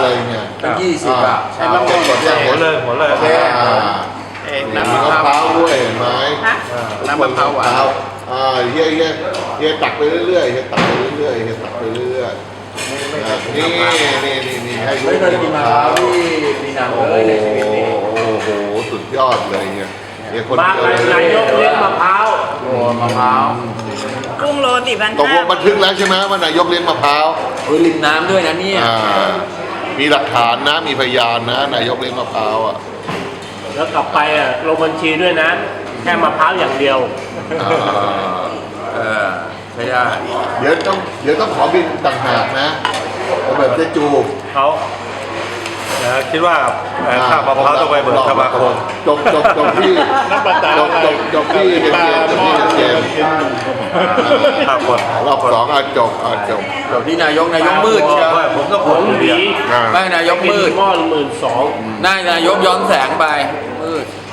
เลยเนี่ยตั้ง20อ่ะใช่มะม่วงหมดยังหัวเลยหัวเลยโอเคมีมะพร้าวด้วยเห็นไหมน้ำมะพร้าวหวานเฮียตักไปเรื่อยๆเฮียตักไปเรื่อยๆเฮียตักไปเรื่อยๆนี่ให้ดูไม่เคยกินมะพร้าวที่มีน้ำเลยในชีวิตนี้โอ้โหสุดยอดเลยเนี่ยคนมาเดียวเลยนายกเลี้ยงมะพร้าวโอ้มะพร้าวกุ้งโล4,500 ตกลงบันทึกแล้วใช่ไหมว่านายกเลี้ยงมะพร้าวริมน้ำด้วยนะเนี่ยมีหลักฐานนะมีพยานนะนายกเลี้ยงมะพร้าวอ่ะแล้วกลับไปลงบัญชีด้วยนะ แค่มะพร้าวอย่างเดียวใช่ได้เดี๋ยวต้องขอบินต่างหากนะเอาแบบเจ๊จูเขาคิดว่าค่ามะพร้าวต้องไปเบิกสมาคมจบที่จบที่เกมค่าคนรอบสองจบจบที่นายกมืดเชียวผมก็ผมดีไม่นายกมืดหม้อ12,000 นายกย้อนแสงไปมืด